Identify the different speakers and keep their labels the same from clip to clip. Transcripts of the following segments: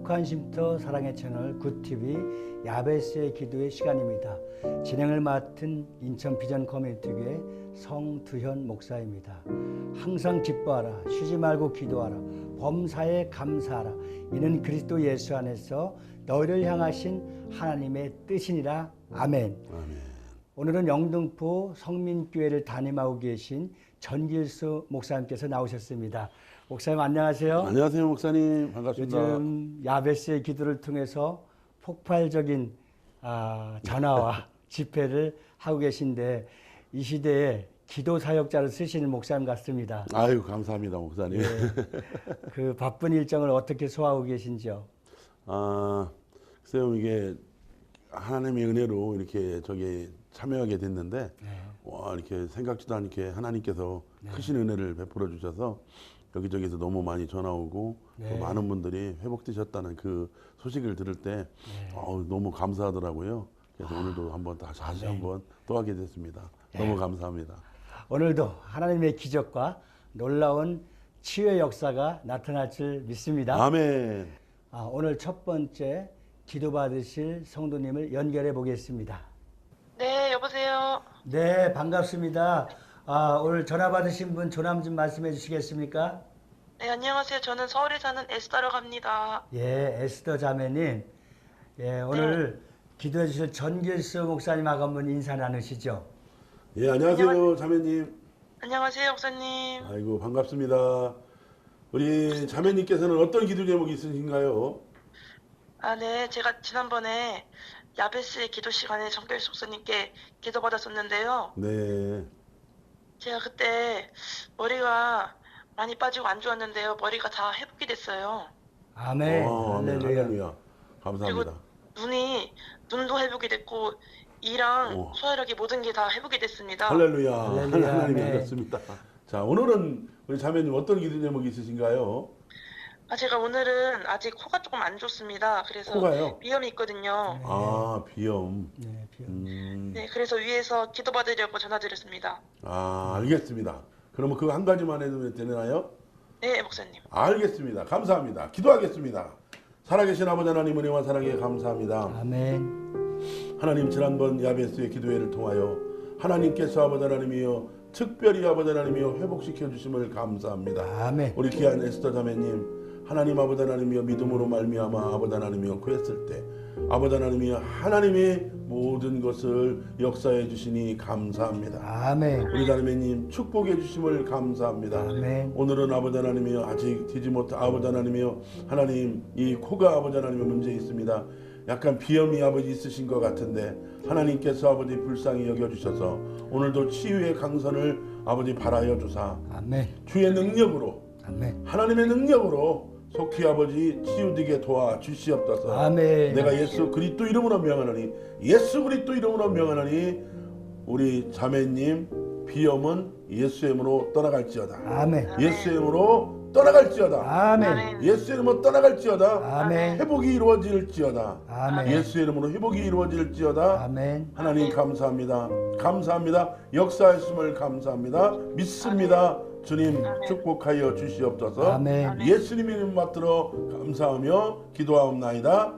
Speaker 1: 행복한 쉼터 사랑의 채널 굿TV 야베스의 기도의 시간입니다. 진행을 맡은 인천 비전 커뮤니티교회 성두현 목사입니다. 항상 기뻐하라, 쉬지 말고 기도하라, 범사에 감사하라. 이는 그리스도 예수 안에서 너희를 향하신 하나님의 뜻이니라. 아멘.
Speaker 2: 아멘.
Speaker 1: 오늘은 영등포 성민교회를 담임하고 계신 전길수 목사님께서 나오셨습니다. 목사님 안녕하세요.
Speaker 2: 안녕하세요 목사님, 반갑습니다.
Speaker 1: 요즘 야베스의 기도를 통해서 폭발적인 전화와 집회를 하고 계신데 이 시대에 기도 사역자를 쓰시는 목사님 같습니다.
Speaker 2: 아유 감사합니다 목사님.
Speaker 1: 네. 그 바쁜 일정을 어떻게 소화하고 계신지요?
Speaker 2: 글쎄요, 이게 하나님의 은혜로 이렇게 저기 참여하게 됐는데 와, 이렇게 생각지도 않게 하나님께서 크신 은혜를 베풀어 주셔서 여기저기서 너무 많이 전화 오고 또 많은 분들이 회복되셨다는 그 소식을 들을 때 너무 감사하더라고요. 그래서 오늘도 한번 다시 한번 또 하게 됐습니다. 너무 감사합니다.
Speaker 1: 오늘도 하나님의 기적과 놀라운 치유의 역사가 나타날 줄 믿습니다.
Speaker 2: 아멘.
Speaker 1: 오늘 첫 번째 기도받으실 성도님을 연결해 보겠습니다.
Speaker 3: 네, 여보세요.
Speaker 1: 네, 반갑습니다. 오늘 전화 받으신 분 조남 좀 말씀해 주시겠습니까?
Speaker 3: 네, 안녕하세요. 저는 서울에 사는 에스더라고 합니다.
Speaker 1: 예, 에스더 자매님. 예, 오늘 기도해 주실 전길수 목사님하고 한번 인사 나누시죠.
Speaker 2: 예, 안녕하세요 자매님.
Speaker 3: 안녕하세요, 목사님.
Speaker 2: 아이고 반갑습니다. 우리 자매님께서는 어떤 기도 제목이 있으신가요?
Speaker 3: 네, 제가 지난번에 야베스의 기도 시간에 정결수 목사님께 기도 받았었는데요.
Speaker 2: 네.
Speaker 3: 제가 그때 머리가 많이 빠지고 안 좋았는데요. 머리가 다 회복이 됐어요.
Speaker 1: 아멘.
Speaker 2: 아멘.
Speaker 1: 할렐루야.
Speaker 2: 할렐루야. 감사합니다.
Speaker 3: 그리고 눈도 회복이 됐고 이랑 소화력이 모든 게 다 회복이 됐습니다.
Speaker 2: 할렐루야.
Speaker 1: 할렐루야.
Speaker 2: 하나님이
Speaker 1: 아멘.
Speaker 2: 하셨습니다. 자, 오늘은 우리 자매님 어떤 기도 제목이 있으신가요?
Speaker 3: 제가 오늘은 아직 코가 조금 안 좋습니다. 그래서
Speaker 2: 코가요?
Speaker 3: 비염이 있거든요.
Speaker 2: 비염.
Speaker 1: 네, 비염.
Speaker 3: 네, 그래서 위에서 기도받으려고 전화드렸습니다.
Speaker 2: 알겠습니다. 그러면 그거 한 가지만 해도 되나요?
Speaker 3: 네, 목사님.
Speaker 2: 알겠습니다. 감사합니다. 기도하겠습니다. 살아계신 아버지 하나님 은혜와 사랑에 감사합니다.
Speaker 1: 아멘.
Speaker 2: 하나님 지난번 야베스의 기도회를 통하여 하나님께서 아버지 하나님이여 특별히 아버지 하나님이여 회복시켜 주심을 감사합니다.
Speaker 1: 아멘.
Speaker 2: 우리 귀한 에스더 자매님 하나님 아버지 하나님이여 믿음으로 말미암아 아버지 하나님이여 구했을 때 아버지 하나님이여 하나님이 모든 것을 역사해 주시니 감사합니다.
Speaker 1: 아멘.
Speaker 2: 우리 자매님 축복해 주심을 감사합니다.
Speaker 1: 아멘.
Speaker 2: 오늘은 아버지 하나님이여 아직 되지 못한 아버지 하나님이여 하나님 이 코가 아버지 하나님의 문제 있습니다. 약간 비염이 아버지 있으신 것 같은데 하나님께서 아버지 불쌍히 여겨주셔서 오늘도 치유의 강선을 아버지 바라여 주사
Speaker 1: 아멘.
Speaker 2: 주의 능력으로
Speaker 1: 아멘.
Speaker 2: 하나님의 능력으로 속히 아버지 치유되게 도와주시옵소서.
Speaker 1: 아멘.
Speaker 2: 내가 예수 그리스도 이름으로 명하노니 예수 그리스도 이름으로 명하노니 우리 자매님 비염은 예수의 이름으로 떠나갈지어다.
Speaker 1: 아멘.
Speaker 2: 예수의 이름으로 떠나갈지어다.
Speaker 1: 아멘.
Speaker 2: 예수의 이름으로 떠나갈지어다.
Speaker 1: 아멘.
Speaker 2: 회복이 이루어질지어다.
Speaker 1: 아멘.
Speaker 2: 예수의 이름으로 회복이 이루어질지어다.
Speaker 1: 아멘.
Speaker 2: 하나님 감사합니다. 감사합니다. 역사하심을 감사합니다. 믿습니다. 주님 축복하여 주시옵소서.
Speaker 1: 아멘.
Speaker 2: 예수님 이름 받들어 감사하며 기도하옵나이다.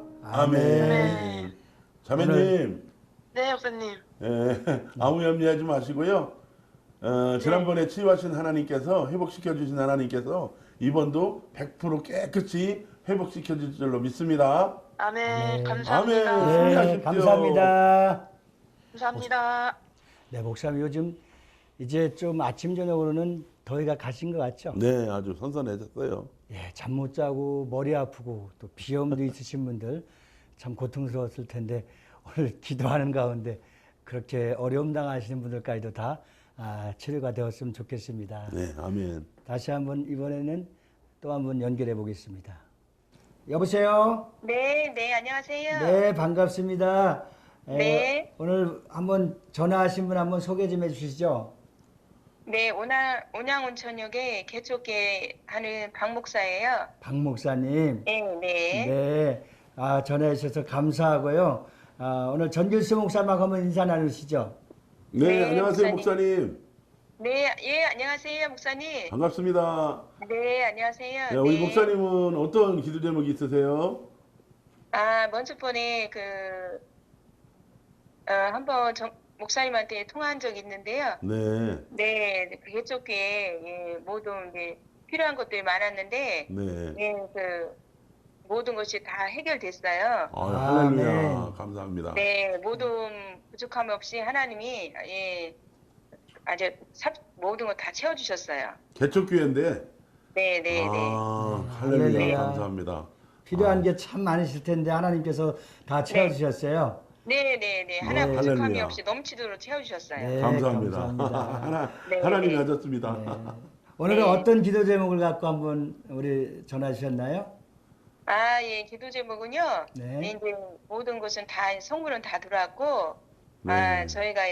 Speaker 2: 아멘. 자매님,
Speaker 3: 네, 목사님.
Speaker 2: 아무 염려하지 마시고요. 지난번에 치유하신 하나님께서 회복시켜 주신 하나님께서 이번도 100% 깨끗이 회복시켜 줄 줄로 믿습니다.
Speaker 3: 아멘.
Speaker 2: 아멘.
Speaker 3: 감사합니다.
Speaker 1: 네,
Speaker 2: 승리하십시오.
Speaker 1: 감사합니다.
Speaker 3: 감사합니다.
Speaker 1: 네, 목사님 요즘 이제 좀 아침 저녁으로는 더위가 가신 것 같죠?
Speaker 2: 네, 아주 선선해졌어요.
Speaker 1: 예, 잠 못 자고 머리 아프고 또 비염도 있으신 분들 참 고통스러웠을 텐데 오늘 기도하는 가운데 그렇게 어려움 당하시는 분들까지도 다 치료가 되었으면 좋겠습니다.
Speaker 2: 네, 아멘.
Speaker 1: 다시 한번 이번에는 또 한번 연결해 보겠습니다. 여보세요?
Speaker 3: 네, 네, 안녕하세요.
Speaker 1: 네, 반갑습니다.
Speaker 3: 네.
Speaker 1: 오늘 한번 전화하신 분 한번 소개 좀 해주시죠.
Speaker 3: 네, 온양온천역에 개척계 하는 박 목사예요.
Speaker 1: 박 목사님.
Speaker 3: 네, 네.
Speaker 1: 네, 전화해 주셔서 감사하고요. 오늘 전길수 목사님하고 한번 인사 나누시죠.
Speaker 2: 네,
Speaker 3: 네,
Speaker 2: 안녕하세요,
Speaker 3: 목사님.
Speaker 2: 목사님.
Speaker 3: 네, 예, 안녕하세요, 목사님.
Speaker 2: 반갑습니다.
Speaker 3: 네, 안녕하세요.
Speaker 2: 네, 우리
Speaker 3: 네.
Speaker 2: 목사님은 어떤 기도 제목이 있으세요?
Speaker 4: 먼저 번에 한번 목사님한테 통화한 적이 있는데요.
Speaker 2: 네,
Speaker 4: 네, 그 개척교회 모든 이제 필요한 것들이 많았는데,
Speaker 2: 네.
Speaker 4: 모든 것이 다 해결됐어요.
Speaker 2: 할렐루야.
Speaker 1: 아멘.
Speaker 2: 감사합니다.
Speaker 4: 네, 모든 부족함 없이 하나님이 아주 모든 거 다 채워주셨어요.
Speaker 2: 개척교회인데.
Speaker 4: 네, 네, 네.
Speaker 2: 할렐루야.
Speaker 1: 할렐루야.
Speaker 2: 감사합니다.
Speaker 1: 필요한 게 참 많으실 텐데 하나님께서 다 채워주셨어요.
Speaker 4: 네, 네, 네. 하나
Speaker 2: 네.
Speaker 4: 부족함이
Speaker 2: 할렐루야.
Speaker 4: 없이 넘치도록 채워주셨어요.
Speaker 1: 네,
Speaker 2: 감사합니다.
Speaker 1: 감사합니다.
Speaker 4: 네,
Speaker 2: 하나님이
Speaker 4: 네.
Speaker 2: 하셨습니다.
Speaker 1: 네. 오늘은
Speaker 4: 네.
Speaker 1: 어떤 기도 제목을 갖고 한번 우리 전화 주셨나요?
Speaker 4: 예, 기도 제목은요.
Speaker 1: 네.
Speaker 4: 이제 모든 것은 성물은 다 들어왔고,
Speaker 2: 네.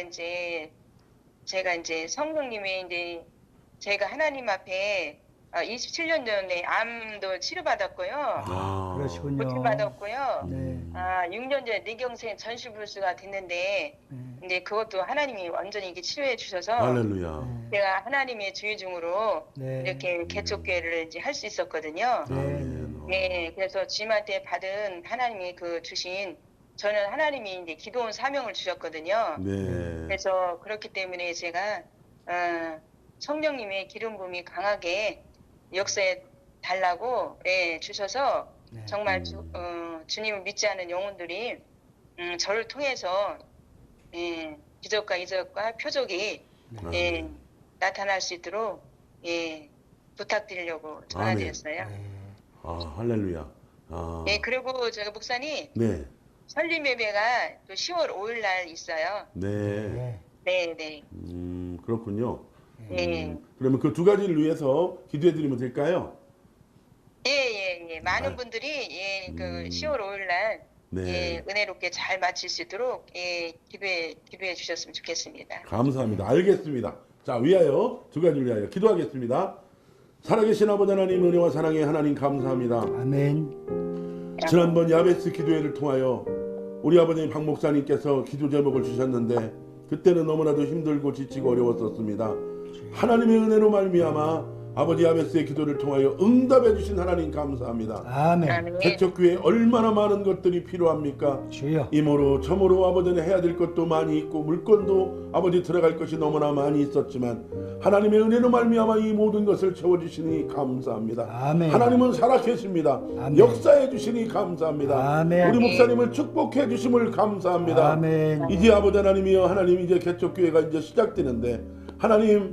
Speaker 4: 제가 이제 성령님의 이제 제가 하나님 앞에 27년 전에 암도 치료받았고요.
Speaker 1: 그러시군요.
Speaker 4: 고침받았고요.
Speaker 1: 네.
Speaker 4: 6년 전에 뇌경색 전신불수가 됐는데,
Speaker 1: 네.
Speaker 4: 이제 그것도 하나님이 완전히 이렇게 치료해 주셔서,
Speaker 2: 할렐루야.
Speaker 4: 제가 하나님의 주의 중으로
Speaker 1: 네.
Speaker 4: 이렇게 개척교회를 이제 할 수 있었거든요.
Speaker 1: 네.
Speaker 2: 아멘.
Speaker 4: 네, 그래서 주님한테 받은 하나님이 주신 저는 하나님이 이제 기도원 사명을 주셨거든요.
Speaker 2: 네.
Speaker 4: 그래서 그렇기 때문에 제가 성령님의 기름 부음이 강하게 역사에 달라고 주셔서
Speaker 1: 네.
Speaker 4: 정말 주님을 믿지 않은 영혼들이 저를 통해서 기적과 이적과 표적이 나타날 수 있도록 부탁드리려고 전화드렸어요.
Speaker 1: 네.
Speaker 2: 할렐루야.
Speaker 4: 네, 그리고 제가 목사님
Speaker 2: 네.
Speaker 4: 설립 예배가 또 10월 5일 날 있어요.
Speaker 2: 네.
Speaker 1: 네.
Speaker 4: 네, 네.
Speaker 2: 그렇군요.
Speaker 4: 네.
Speaker 2: 그러면 그 두 가지를 위해서 기도해 드리면 될까요?
Speaker 4: 예. 많은 분들이 10월 5일 날
Speaker 2: 네.
Speaker 4: 은혜롭게 잘 마칠 수 있도록 기도해 주셨으면 좋겠습니다.
Speaker 2: 감사합니다. 알겠습니다. 자, 위하여 두 가지를 위하여 기도하겠습니다. 살아계신 아버지 하나님 은혜와 사랑의 하나님 감사합니다.
Speaker 1: 아멘.
Speaker 2: 지난번 야베스 기도회를 통하여 우리 아버님 박 목사님께서 기도 제목을 주셨는데 그때는 너무나도 힘들고 지치고 어려웠었습니다. 하나님의 은혜로 말미암아 아버지 야베스의 기도를 통하여 응답해 주신 하나님 감사합니다.
Speaker 1: 아멘.
Speaker 4: 아멘.
Speaker 2: 개척교회에 얼마나 많은 것들이 필요합니까?
Speaker 1: 주여.
Speaker 2: 이모로 저모로 아버지는 해야 될 것도 많이 있고 물건도 아버지 들어갈 것이 너무나 많이 있었지만 하나님의 은혜로 말미암아 이 모든 것을 채워주시니 감사합니다.
Speaker 1: 아멘.
Speaker 2: 하나님은 살아계십니다.
Speaker 1: 아멘.
Speaker 2: 역사해 주시니 감사합니다.
Speaker 1: 아멘.
Speaker 2: 우리 목사님을 축복해 주심을 감사합니다.
Speaker 1: 아멘.
Speaker 2: 이제 아버지 하나님이여 하나님 이제 개척교회가 이제 시작되는데 하나님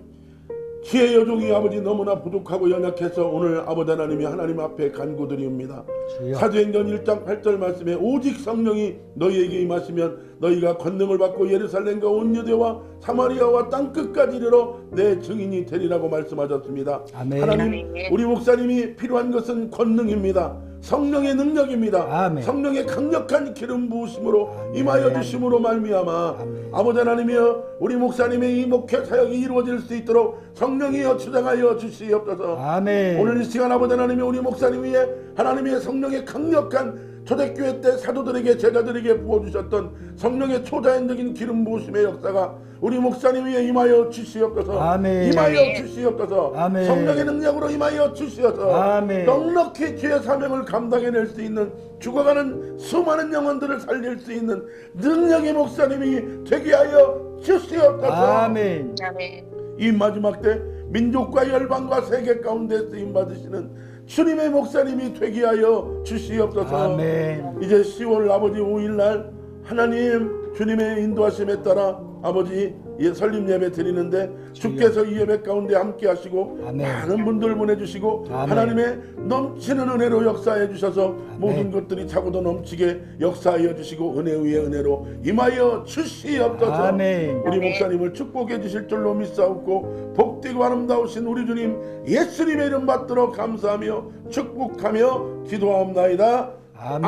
Speaker 2: 지혜 여종이 아버지 너무나 부족하고 연약해서 오늘 아버지 하나님이 하나님 앞에 간구드리옵니다.
Speaker 1: 주여.
Speaker 2: 사도행전 1장 8절 말씀에 오직 성령이 너희에게 임하시면 너희가 권능을 받고 예루살렘과 온 유대와 사마리아와 땅끝까지 이르러 내 증인이 되리라고 말씀하셨습니다.
Speaker 1: 아멘.
Speaker 2: 하나님 우리 목사님이 필요한 것은 권능입니다. 성령의 능력입니다.
Speaker 1: 아멘.
Speaker 2: 성령의 강력한 기름 부으심으로
Speaker 1: 아멘.
Speaker 2: 임하여 주심으로 말미암아
Speaker 1: 아멘.
Speaker 2: 아버지 하나님이여 우리 목사님의 이 목회 사역이 이루어질 수 있도록 성령이여 주장하여 주시옵소서.
Speaker 1: 아멘.
Speaker 2: 오늘 이 시간 아버지 하나님이 우리 목사님 위에 하나님의 성령의 강력한 초대교회 때 사도들에게 제자들에게 부어주셨던 성령의 초자연적인 기름 부으심의 역사가 우리 목사님 위에 임하여 주시옵소서.
Speaker 1: 아멘.
Speaker 2: 임하여
Speaker 4: 아멘.
Speaker 2: 주시옵소서.
Speaker 1: 아멘.
Speaker 2: 성령의 능력으로 임하여 주시옵소서.
Speaker 1: 아멘.
Speaker 2: 넉넉히 주의 사명을 감당해낼 수 있는 죽어가는 수많은 영혼들을 살릴 수 있는 능력의 목사님이 되게 하여 주시옵소서.
Speaker 1: 아멘.
Speaker 4: 아멘.
Speaker 2: 이 마지막 때 민족과 열방과 세계 가운데 쓰임 받으시는 주님의 목사님이 되게 하여 주시옵소서.
Speaker 1: 아멘.
Speaker 2: 이제 10월 아버지 5일날 하나님 주님의 인도하심에 따라 아버지 설립 예배 드리는데 주께서 이 예배 가운데 함께 하시고
Speaker 1: 아멘.
Speaker 2: 많은 분들 보내주시고
Speaker 1: 아멘.
Speaker 2: 하나님의 넘치는 은혜로 역사해 주셔서 모든 것들이 차고도 넘치게 역사하여 주시고 은혜 위에 은혜로 임하여 주시옵소서.
Speaker 1: 아멘.
Speaker 2: 우리 목사님을 축복해 주실 줄로 믿사옵고 복되고 아름다우신 우리 주님 예수님의 이름 받들어 감사하며 축복하며 기도하옵나이다.
Speaker 1: 아멘.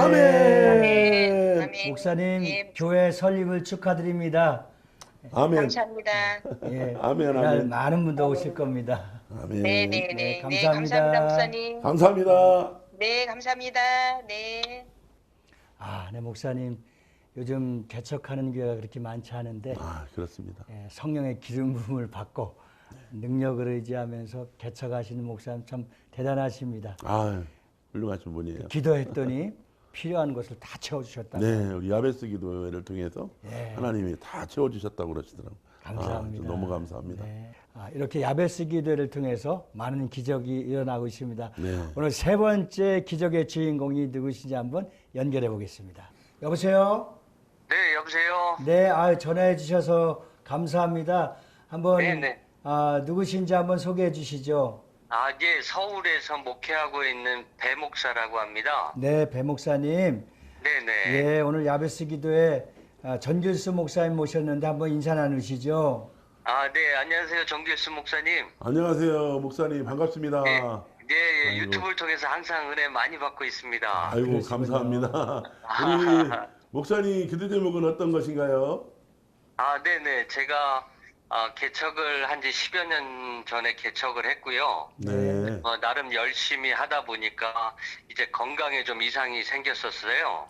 Speaker 2: 아멘.
Speaker 4: 아멘.
Speaker 1: 목사님
Speaker 4: 예.
Speaker 1: 교회 설립을 축하드립니다.
Speaker 2: 아멘.
Speaker 4: 감사합니다.
Speaker 1: 예.
Speaker 2: 아멘,
Speaker 1: 그날
Speaker 2: 아멘.
Speaker 1: 많은 분들 오실 겁니다.
Speaker 2: 아멘.
Speaker 4: 네네네.
Speaker 1: 네,
Speaker 4: 네,
Speaker 1: 감사합니다.
Speaker 4: 감사합니다, 목사님.
Speaker 2: 감사합니다.
Speaker 4: 네, 감사합니다. 네.
Speaker 1: 네, 목사님 요즘 개척하는 교회가 그렇게 많지 않은데
Speaker 2: 그렇습니다.
Speaker 1: 성령의 기름 부음을 받고 능력을 의지하면서 개척하시는 목사님 참 대단하십니다.
Speaker 2: 훌륭하신 분이에요.
Speaker 1: 기도했더니 필요한 것을 다 채워주셨다.
Speaker 2: 네, 우리 야베스 기도회를 통해서
Speaker 1: 네.
Speaker 2: 하나님이 다 채워주셨다고 그러시더라고요.
Speaker 1: 감사합니다.
Speaker 2: 너무 감사합니다.
Speaker 1: 네. 이렇게 야베스 기도회를 통해서 많은 기적이 일어나고 있습니다.
Speaker 2: 네.
Speaker 1: 오늘 세 번째 기적의 주인공이 누구신지 한번 연결해 보겠습니다. 여보세요?
Speaker 5: 네, 여보세요.
Speaker 1: 네, 전화해 주셔서 감사합니다. 한번
Speaker 5: 네네.
Speaker 1: 누구신지 한번 소개해 주시죠.
Speaker 5: 예, 서울에서 목회하고 있는 배 목사라고 합니다.
Speaker 1: 네, 배 목사님.
Speaker 5: 네네.
Speaker 1: 예, 오늘 야베스 기도회 전길수 목사님 모셨는데 한번 인사 나누시죠.
Speaker 5: 네, 안녕하세요, 정길수 목사님.
Speaker 2: 안녕하세요, 목사님 반갑습니다.
Speaker 5: 네, 네,
Speaker 2: 아이고.
Speaker 5: 유튜브를 통해서 항상 은혜 많이 받고 있습니다.
Speaker 2: 아이고
Speaker 1: 그러시군요.
Speaker 2: 감사합니다. 우리 목사님 기도 제목은 어떤 것인가요?
Speaker 5: 네네, 제가 개척을 한 지 10여 년 전에 개척을 했고요.
Speaker 2: 네.
Speaker 5: 나름 열심히 하다 보니까 이제 건강에 좀 이상이 생겼었어요.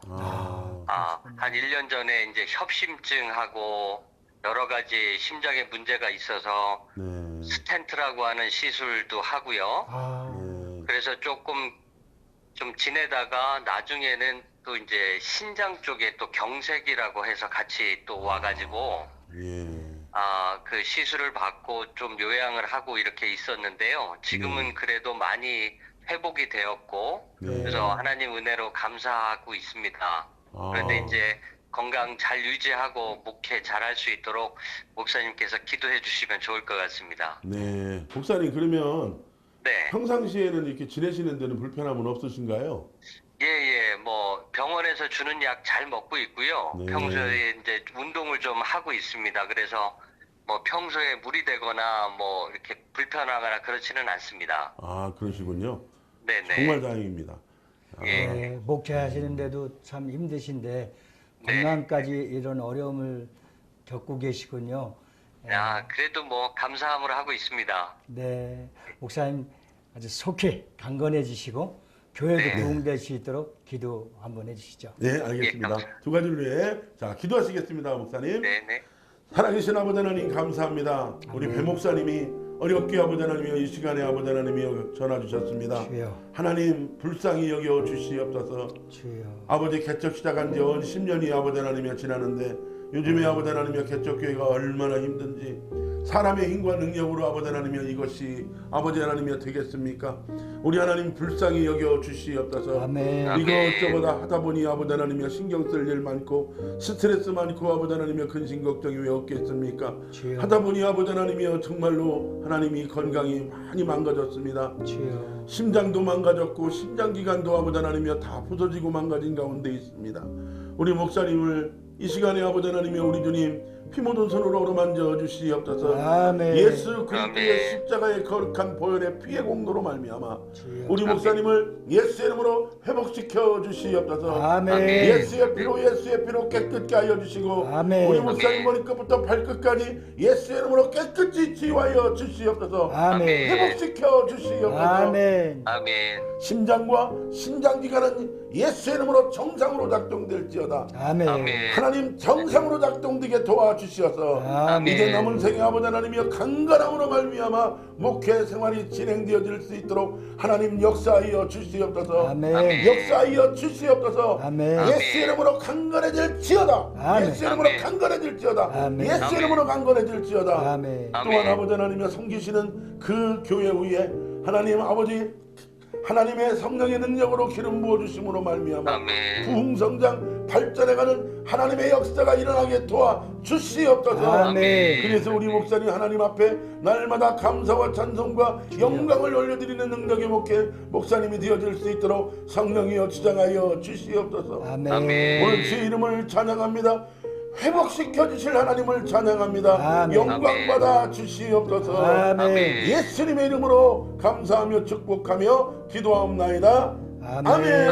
Speaker 5: 한 1년 전에 이제 협심증하고 여러 가지 심장에 문제가 있어서
Speaker 2: 네.
Speaker 5: 스텐트라고 하는 시술도 하고요.
Speaker 2: 네.
Speaker 5: 그래서 조금 좀 지내다가 나중에는 또 이제 신장 쪽에 또 경색이라고 해서 같이 또 와가지고
Speaker 2: 예.
Speaker 5: 그 시술을 받고 좀 요양을 하고 이렇게 있었는데요. 지금은 그래도 많이 회복이 되었고
Speaker 2: 네.
Speaker 5: 그래서 하나님 은혜로 감사하고 있습니다. 그런데 이제 건강 잘 유지하고 목회 잘할 수 있도록 목사님께서 기도해 주시면 좋을 것 같습니다.
Speaker 2: 네. 목사님 그러면
Speaker 5: 네.
Speaker 2: 평상시에는 이렇게 지내시는 데는 불편함은 없으신가요?
Speaker 5: 예, 뭐 병원에서 주는 약 잘 먹고 있고요.
Speaker 2: 네.
Speaker 5: 평소에 이제 운동을 좀 하고 있습니다. 그래서 뭐 평소에 무리되거나 뭐 이렇게 불편하거나 그렇지는 않습니다.
Speaker 2: 그러시군요.
Speaker 5: 네네.
Speaker 2: 정말 다행입니다.
Speaker 5: 예.
Speaker 1: 네, 목회하시는데도 참 힘드신데
Speaker 5: 네.
Speaker 1: 건강까지 이런 어려움을 겪고 계시군요.
Speaker 5: 그래도 뭐 감사함으로 하고 있습니다.
Speaker 1: 네, 목사님 아주 속히 강건해지시고 교회도
Speaker 5: 네.
Speaker 1: 부흥될 수 있도록 기도 한번 해주시죠.
Speaker 2: 네,
Speaker 5: 예,
Speaker 2: 알겠습니다.
Speaker 5: 감사합니다.
Speaker 2: 두 가지를 위해 자 기도하시겠습니다, 목사님.
Speaker 5: 네네.
Speaker 2: 살아계신 아버지 하나님 감사합니다. 우리 배 목사님이 어렵게 아버지 하나님이여 이 시간에 아버지 하나님이여 전화 주셨습니다.
Speaker 1: 주여,
Speaker 2: 하나님 불쌍히 여겨 주시옵소서.
Speaker 1: 주여.
Speaker 2: 아버지 개척 시작한 지 10년이 아버지 하나님이여 지나는데 요즘에 아버지 하나님이여 개척교회가 얼마나 힘든지 사람의 힘과 능력으로 아버지 하나님이여 이것이 아버지 하나님이여 되겠습니까? 우리 하나님 불쌍히 여겨 주시옵소서.
Speaker 1: 아멘.
Speaker 2: 이것저것 하다 보니 아버지 하나님이여 신경 쓸 일 많고 스트레스 많고 아버지 하나님이여 근심 걱정이 왜 없겠습니까?
Speaker 1: 주여.
Speaker 2: 하다 보니 아버지 하나님이여 정말로 하나님이 건강이 많이 망가졌습니다.
Speaker 1: 주여.
Speaker 2: 심장도 망가졌고 심장기관도 아버지 하나님이여 다 부서지고 망가진 가운데 있습니다. 우리 목사님을 이 시간에 아버지 하나님이여 우리 주님 피 묻은 손으로 어루만져 주시옵소서.
Speaker 1: 아멘.
Speaker 2: 예수 그리스도의
Speaker 5: 아멘.
Speaker 2: 십자가의 거룩한 보혈의 피의 공로로 말미암아
Speaker 1: 주여.
Speaker 2: 우리 목사님을 예수의 이름으로 회복시켜 주시옵소서.
Speaker 1: 아멘.
Speaker 2: 예수의 피로 깨끗게 하여 주시고
Speaker 1: 아멘.
Speaker 2: 우리 목사님 머리끝부터 발끝까지 예수의 이름으로 깨끗이 치유하여 주시옵소서.
Speaker 1: 아멘.
Speaker 2: 회복시켜 주시옵소서.
Speaker 1: 아멘.
Speaker 5: 아멘.
Speaker 2: 심장과 신장기관은 예수의 이름으로 정상으로 작동될지어다.
Speaker 1: 아멘.
Speaker 5: 아멘.
Speaker 2: 하나님 정상으로 작동되게 도와주시어서
Speaker 1: 아멘.
Speaker 2: 이제 남은 생애 아버지 하나님이여 강건함으로 말미암아 목회 생활이 진행되어질 수 있도록 하나님 역사하여 주시옵소서.
Speaker 1: 아멘.
Speaker 2: 역사하여 주시옵소서.
Speaker 1: 아멘.
Speaker 2: 예수 이름으로 강건해질지어다.
Speaker 1: 아멘.
Speaker 2: 예수 이름으로
Speaker 5: 아멘.
Speaker 2: 강건해질지어다.
Speaker 1: 아멘.
Speaker 2: 예수
Speaker 5: 아멘.
Speaker 2: 이름으로 강건해질지어다.
Speaker 1: 아멘.
Speaker 5: 아멘.
Speaker 2: 또한 아버지 하나님이여 섬기시는 그 교회 위에 하나님 아버지 하나님의 성령의 능력으로 기름 부어주심으로 말미암아
Speaker 5: 아멘.
Speaker 2: 부흥성장 발전해가는 하나님의 역사가 일어나게 도와주시옵소서.
Speaker 1: 아멘.
Speaker 2: 그래서 우리 목사님 하나님 앞에 날마다 감사와 찬송과 영광을 올려드리는 능력의 목사님이 되어질 수 있도록 성령이여 주장하여 주시옵소서.
Speaker 1: 아멘.
Speaker 5: 아멘.
Speaker 2: 오늘 주의 이름을 찬양합니다. 회복시켜 주실 하나님을 찬양합니다.
Speaker 1: 아멘.
Speaker 2: 영광 받아 주시옵소서.
Speaker 1: 아멘.
Speaker 2: 예수님의 이름으로 감사하며 축복하며 기도하옵나이다.
Speaker 1: 아멘.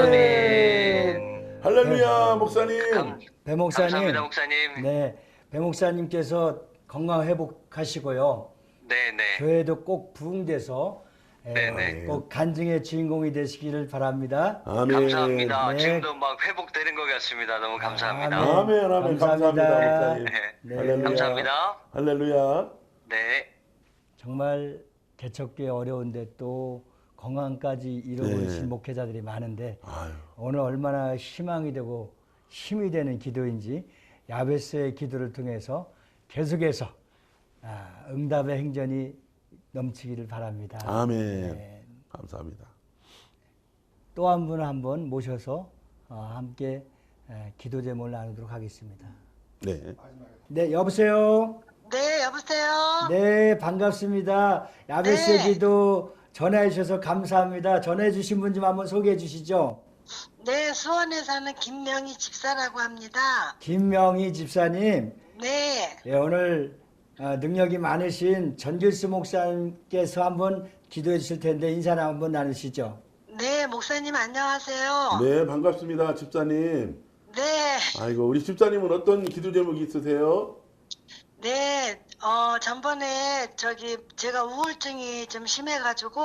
Speaker 5: 아멘.
Speaker 2: 할렐루야. 목사님.
Speaker 1: 배 목사님.
Speaker 5: 감사합니다, 목사님.
Speaker 1: 네, 배 목사님께서 건강 회복하시고요.
Speaker 5: 네네.
Speaker 1: 교회도 꼭 부흥돼서
Speaker 5: 네네.
Speaker 1: 꼭 간증의 주인공이 되시기를 바랍니다.
Speaker 2: 아멘.
Speaker 5: 감사합니다.
Speaker 1: 네.
Speaker 5: 지금도 막 회복되는 것 같습니다. 너무 감사합니다.
Speaker 2: 아멘. 아멘. 감사합니다. 목사님.
Speaker 5: 네.
Speaker 2: 할렐루야.
Speaker 5: 감사합니다.
Speaker 2: 할렐루야.
Speaker 5: 네.
Speaker 1: 정말 개척기 어려운데 또 건강까지 잃어버리신
Speaker 2: 네.
Speaker 1: 목회자들이 많은데
Speaker 2: 아유.
Speaker 1: 오늘 얼마나 희망이 되고 힘이 되는 기도인지 야베스의 기도를 통해서 계속해서 응답의 행전이 넘치기를 바랍니다.
Speaker 2: 아멘.
Speaker 1: 네.
Speaker 2: 감사합니다.
Speaker 1: 또 한 분을 한번 모셔서 함께 기도 제목을 나누도록 하겠습니다.
Speaker 2: 네.
Speaker 1: 네, 여보세요.
Speaker 3: 네, 여보세요?
Speaker 1: 네, 반갑습니다. 야베스의
Speaker 3: 네.
Speaker 1: 기도 전해 주셔서 감사합니다. 전해 주신 분 좀 한번 소개해 주시죠.
Speaker 3: 네, 수원에 사는 김명희 집사라고 합니다.
Speaker 1: 김명희 집사님,
Speaker 3: 네,
Speaker 1: 예, 오늘 능력이 많으신 전길수 목사님께서 한번 기도해 주실 텐데 인사 한번 나누시죠.
Speaker 3: 네, 목사님 안녕하세요.
Speaker 2: 네, 반갑습니다. 집사님.
Speaker 3: 네,
Speaker 2: 아이고, 우리 집사님은 어떤 기도 제목이 있으세요?
Speaker 3: 네, 전번에 제가 우울증이 좀 심해가지고,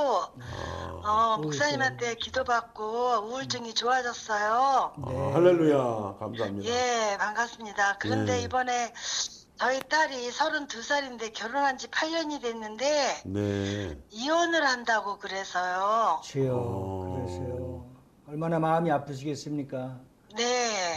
Speaker 3: 목사님한테 기도받고 우울증이 좋아졌어요.
Speaker 1: 네.
Speaker 2: 할렐루야. 감사합니다.
Speaker 3: 예, 반갑습니다. 그런데
Speaker 2: 네.
Speaker 3: 이번에 저희 딸이 32살인데 결혼한 지 8년이 됐는데,
Speaker 2: 네.
Speaker 3: 이혼을 한다고 그래서요.
Speaker 1: 주여, 그러세요. 얼마나 마음이 아프시겠습니까?
Speaker 3: 네,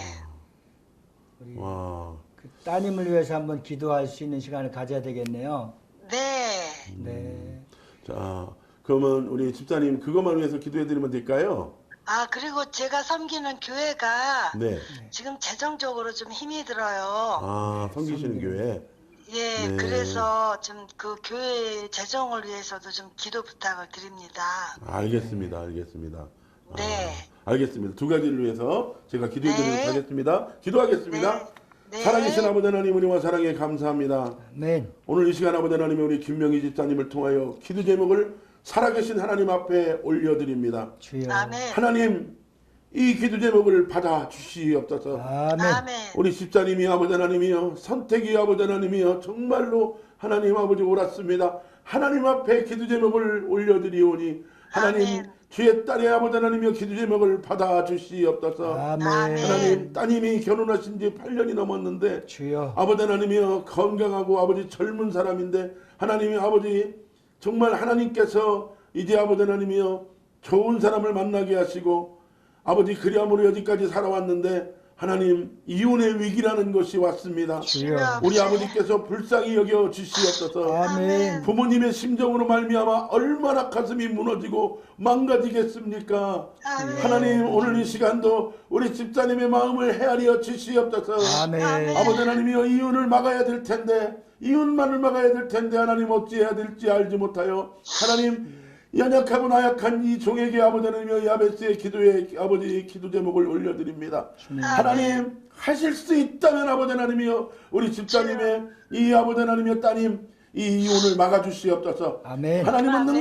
Speaker 1: 우리
Speaker 2: 와.
Speaker 1: 그 따님을 위해서 한번 기도할 수 있는 시간을 가져야 되겠네요.
Speaker 3: 네.
Speaker 1: 네.
Speaker 2: 자, 그러면 우리 집사님 그것만 위해서 기도해 드리면 될까요?
Speaker 3: 그리고 제가 섬기는 교회가
Speaker 2: 네.
Speaker 3: 지금 재정적으로 좀 힘이 들어요.
Speaker 2: 아, 섬기시는 교회.
Speaker 3: 예,
Speaker 2: 네.
Speaker 3: 그래서 좀 그 교회 재정을 위해서도 좀 기도 부탁을 드립니다.
Speaker 2: 알겠습니다. 알겠습니다.
Speaker 3: 네.
Speaker 2: 알겠습니다. 두 가지를 위해서 제가 기도해 드리도록
Speaker 3: 네.
Speaker 2: 하겠습니다. 기도하겠습니다.
Speaker 3: 네. 네.
Speaker 2: 살아계신 아버지 하나님 은혜와 사랑에 감사합니다.
Speaker 1: 아멘.
Speaker 2: 오늘 이 시간 아버지 하나님 우리 김명희 집사님을 통하여 기도 제목을 살아계신 하나님 앞에 올려드립니다.
Speaker 1: 주여.
Speaker 3: 아멘.
Speaker 2: 하나님 이 기도 제목을 받아 주시옵소서.
Speaker 1: 아멘.
Speaker 3: 아멘.
Speaker 2: 우리 집사님이 아버지 하나님이여 선택이 아버지 하나님이여 정말로 하나님 아버지 옳았습니다. 하나님 앞에 기도 제목을 올려드리오니 하나님
Speaker 3: 아멘.
Speaker 2: 주의 딸의 아버지 하나님이여 기도 제목을 받아 주시옵소서.
Speaker 1: 아멘.
Speaker 2: 하나님 따님이 결혼하신 지 8년이 넘었는데
Speaker 1: 주여.
Speaker 2: 아버지 하나님이여 건강하고 아버지 젊은 사람인데 하나님이 아버지 정말 하나님께서 이제 아버지 하나님이여 좋은 사람을 만나게 하시고 아버지 그리함으로 여기까지 살아왔는데 하나님 이혼의 위기라는 것이 왔습니다.
Speaker 1: 주여.
Speaker 2: 우리 아버지께서 불쌍히 여겨 주시옵소서.
Speaker 1: 아멘.
Speaker 2: 부모님의 심정으로 말미암아 얼마나 가슴이 무너지고 망가지겠습니까?
Speaker 3: 아멘.
Speaker 2: 하나님 오늘 이 시간도 우리 집사님의 마음을 헤아려 주시옵소서.
Speaker 1: 아멘.
Speaker 2: 아버지 하나님이여 이혼을 막아야 될 텐데 이혼만을 막아야 될 텐데 하나님 어찌해야 될지 알지 못하여 하나님 연약하고 나약한 이 종에게 아버지 하나님이여 야베스의 기도에 아버지 기도 제목을 올려드립니다. 하나님 하실 수 있다면 아버지 하나님이여 우리 집사님의 이 아버지 하나님이여 따님 이 이혼을 막아주시옵소서.
Speaker 1: 아멘.
Speaker 2: 하나님은
Speaker 3: 아멘.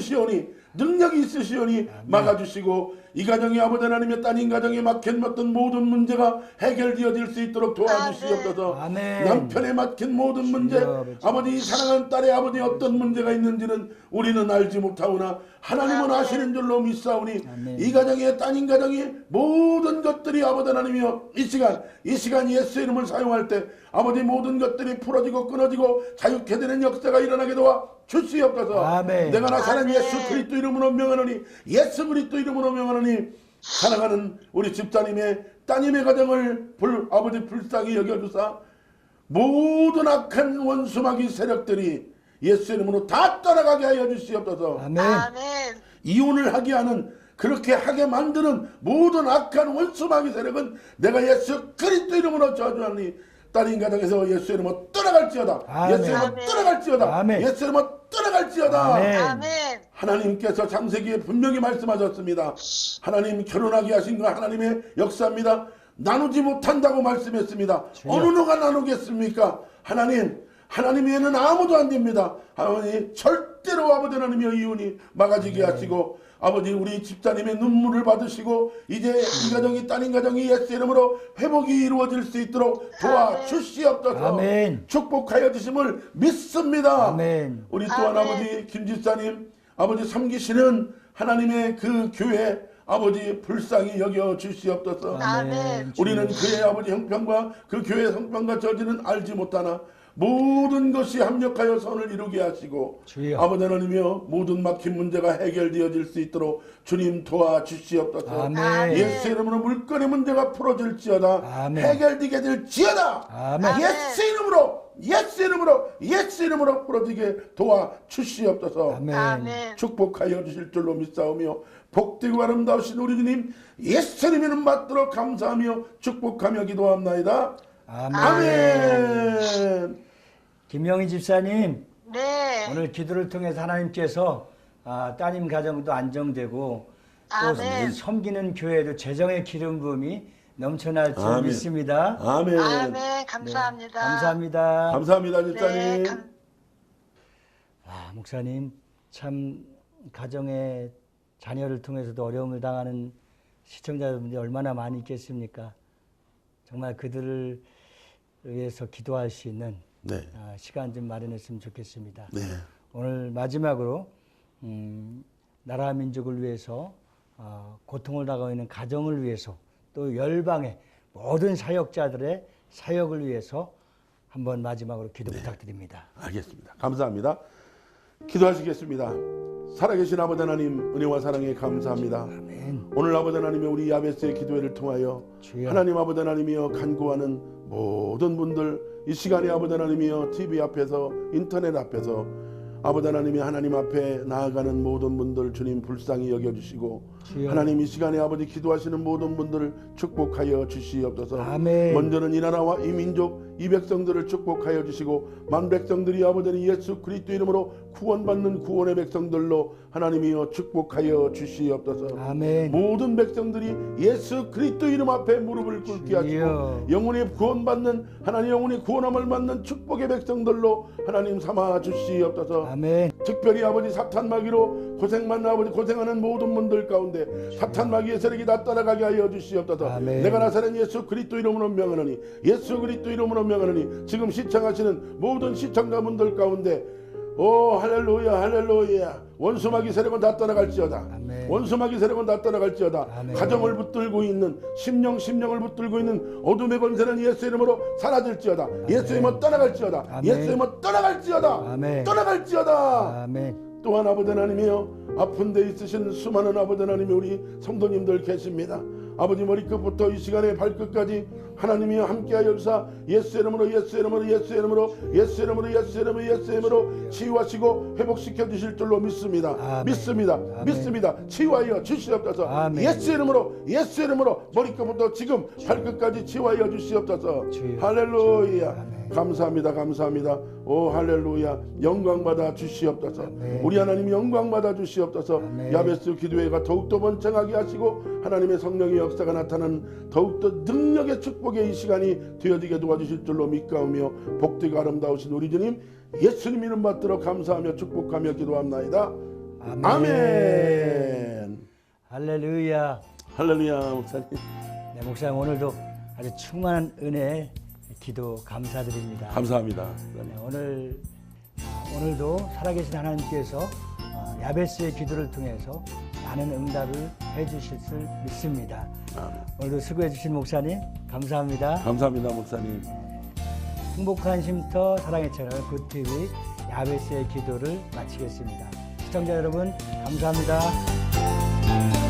Speaker 2: 능력이 있으시오니 막아주시고 이 가정이 아버지 하나님의 따님 가정에 막힌 모든 문제가 해결되어질 수 있도록 도와주시옵소서.
Speaker 1: 아멘.
Speaker 2: 남편에 막힌 모든 문제 아버지 사랑하는 딸의 아버지 어떤 문제가 있는지는 우리는 알지 못하오나 하나님은
Speaker 3: 아멘.
Speaker 2: 아시는 줄로 믿사오니
Speaker 1: 아멘.
Speaker 2: 이 가정의 따님 가정이 모든 것들이 아버지 하나님이여 이 시간 예수의 이름을 사용할 때 아버지 모든 것들이 풀어지고 끊어지고 자유케 되는 역사가 일어나게 도와 주시옵소서.
Speaker 1: 아멘.
Speaker 2: 내가 나사는
Speaker 3: 아멘.
Speaker 2: 예수 그리스도 이름으로 명하노니 예수 그리스도 이름으로 명하노니 사랑하는 우리 집사님의 따님의 가정을 아버지 불쌍히 여겨주사 모든 악한 원수마귀 세력들이 예수 이름으로 다 떠나가게 하여 주시옵소서.
Speaker 1: 아멘.
Speaker 3: 아멘.
Speaker 2: 이혼을 하게 하는 그렇게 하게 만드는 모든 악한 원수마귀 세력은 내가 예수 그리스도 이름으로 저주하니 딸인 가정에서 예수 이름으로 떠나갈지어다.
Speaker 1: 아멘.
Speaker 2: 예수 이름으로 떠나갈지어다.
Speaker 1: 아멘.
Speaker 2: 예수 이름으로 떠나갈지어다.
Speaker 1: 아멘.
Speaker 3: 아멘.
Speaker 2: 하나님께서 창세기에 분명히 말씀하셨습니다. 하나님 결혼하게 하신 거 하나님의 역사입니다. 나누지 못한다고 말씀했습니다. 어느 누가 나누겠습니까? 하나님 외에는 아무도 안 됩니다. 하나님 절대로 아버지 하나님의 이혼이 막아지게 하시고 아버지 우리 집사님의 눈물을 받으시고 이제 이 가정이 따님 가정이 예수 이름으로 회복이 이루어질 수 있도록 도와주시옵소서.
Speaker 1: 아멘.
Speaker 2: 축복하여 주심을 믿습니다.
Speaker 1: 아멘.
Speaker 2: 우리 또한
Speaker 3: 아멘.
Speaker 2: 아버지 김 집사님 아버지 섬기시는 하나님의 그 교회 아버지 불쌍히 여겨 주시옵소서.
Speaker 3: 아멘.
Speaker 2: 우리는 그의 아버지 형편과 그 교회 형편과 저지는 알지 못하나 모든 것이 합력하여 선을 이루게 하시고
Speaker 1: 주여.
Speaker 2: 아버지 하나님이여 모든 막힌 문제가 해결되어질 수 있도록 주님 도와주시옵소서.
Speaker 1: 아멘.
Speaker 2: 예수 이름으로 물건의 문제가 풀어질지어다.
Speaker 1: 아멘.
Speaker 2: 해결되게 될지어다.
Speaker 1: 아멘.
Speaker 2: 예수 이름으로 예수 이름으로 예수 이름으로 풀어지게 도와주시옵소서.
Speaker 1: 아멘.
Speaker 3: 아멘.
Speaker 2: 축복하여 주실 줄로 믿사오며 복되고 아름다우신 우리 주님 예수님 이름 받들어 감사하며 축복하며 기도합나이다.
Speaker 1: 아멘.
Speaker 2: 아멘.
Speaker 1: 김영희 집사님,
Speaker 3: 네.
Speaker 1: 오늘 기도를 통해서 하나님께서 따님 가정도 안정되고 또
Speaker 3: 아멘.
Speaker 1: 섬기는 교회도 재정의 기름 부음이 넘쳐날 줄
Speaker 2: 아멘.
Speaker 1: 믿습니다.
Speaker 2: 아멘.
Speaker 3: 아멘. 감사합니다.
Speaker 1: 감사합니다.
Speaker 2: 감사합니다, 집사님.
Speaker 3: 네.
Speaker 1: 목사님, 참 가정의 자녀를 통해서도 어려움을 당하는 시청자 여러분들이 얼마나 많이 있겠습니까? 정말 그들을 위해서 기도할 수 있는
Speaker 2: 네.
Speaker 1: 시간 좀 마련했으면 좋겠습니다.
Speaker 2: 네.
Speaker 1: 오늘 마지막으로 나라 민족을 위해서 고통을 당하고 있는 가정을 위해서 또 열방의 모든 사역자들의 사역을 위해서 한번 마지막으로 기도 부탁드립니다.
Speaker 2: 알겠습니다. 감사합니다. 기도하시겠습니다. 살아계신 아버지 하나님 은혜와 사랑에 감사합니다.
Speaker 1: 아멘.
Speaker 2: 오늘 아버지 하나님의 우리 야베스의 기도회를 통하여
Speaker 1: 주여.
Speaker 2: 하나님 아버지 하나님이여 간구하는 모든 분들 이 시간에 아버지 하나님이여 TV 앞에서 인터넷 앞에서 아버지 하나님이 하나님 앞에 나아가는 모든 분들 주님 불쌍히 여겨주시고
Speaker 1: 주여.
Speaker 2: 하나님 이 시간에 아버지 기도하시는 모든 분들을 축복하여 주시옵소서.
Speaker 1: 아멘.
Speaker 2: 먼저는 이 나라와 이 민족 이 백성들을 축복하여 주시고 만 백성들이 아버지는 예수 그리스도 이름으로 구원받는 구원의 백성들로 하나님이여 축복하여 주시옵소서.
Speaker 1: 아멘.
Speaker 2: 모든 백성들이 예수 그리스도 이름 앞에 무릎을 꿇게 하시고
Speaker 1: 주여.
Speaker 2: 영혼이 구원받는 하나님 영혼이 구원함을 받는 축복의 백성들로 하나님 삼아 주시옵소서.
Speaker 1: 아멘.
Speaker 2: 특별히 아버지 사탄 마귀로 고생만 아버지 고생하는 모든 분들 가운데 사탄 마귀의 세력이 다 따라가게 하여 주시옵소서.
Speaker 1: 아멘.
Speaker 2: 내가 나사렛 예수 그리스도 이름으로 명하노니 예수 그리스도 이름으로 명하노니 지금 시청하시는 모든 시청자분들 가운데 오 할렐루야 할렐루야 원수 마귀 세력은 다 따라갈지어다.
Speaker 1: 아멘.
Speaker 2: 원수 마귀 세력은 다 따라갈지어다.
Speaker 1: 아멘.
Speaker 2: 가정을 붙들고 있는 심령을 붙들고 있는 어둠의 권세는 예수 이름으로 사라질지어다. 예수 이름으로 떠나갈지어다.
Speaker 1: 아멘.
Speaker 2: 예수 이름으로 떠나갈지어다.
Speaker 1: 아멘.
Speaker 2: 떠나갈지어다.
Speaker 1: 아멘.
Speaker 2: 또한 아버지 하나님이여 아픈 데 있으신 수많은 아버지 하나님이 우리 성도님들 계십니다. 아버지 머리끝부터 이 시간의 발끝까지 하나님이여 함께하여 주사 예수 이름으로 예수 이름으로 예수 이름으로 예수 이름으로 예수 이름으로 예수 이름으로 치유하시고 회복시켜 주실 줄로 믿습니다.
Speaker 1: 아멘.
Speaker 2: 믿습니다.
Speaker 1: 아멘.
Speaker 2: 믿습니다. 치유하여 주시옵소서.
Speaker 1: 아멘.
Speaker 2: 예수 이름으로 머리끝부터 지금 발끝까지 치유하여 주시옵소서.
Speaker 1: 주여.
Speaker 2: 할렐루야.
Speaker 1: 아멘.
Speaker 2: 감사합니다. 감사합니다. 오 할렐루야. 영광 받아 주시옵소서.
Speaker 1: 아멘.
Speaker 2: 우리 하나님 영광 받아 주시옵소서.
Speaker 1: 아멘.
Speaker 2: 야베스 기도회가 더욱더 번창하게 하시고 하나님의 성령의 역사가 나타나는 더욱더 능력의 축복의 이 시간이 되어지게 도와주실 줄로 믿가오며 복되고 아름다우신 우리 주님 예수님 이름 받들어 감사하며 축복하며 기도합나이다.
Speaker 1: 아멘.
Speaker 2: 아멘.
Speaker 1: 할렐루야.
Speaker 2: 할렐루야. 목사님
Speaker 1: 네, 목사님 오늘도 아주 충만한 은혜 기도 감사드립니다.
Speaker 2: 감사합니다.
Speaker 1: 네, 오늘도 살아계신 하나님께서 야베스의 기도를 통해서 많은 응답을 해주실 줄 믿습니다.
Speaker 2: 아멘.
Speaker 1: 오늘도 수고해 주신 목사님 감사합니다.
Speaker 2: 감사합니다. 목사님.
Speaker 1: 행복한 쉼터 사랑의 채널 굿TV 야베스의 기도를 마치겠습니다. 시청자 여러분 감사합니다.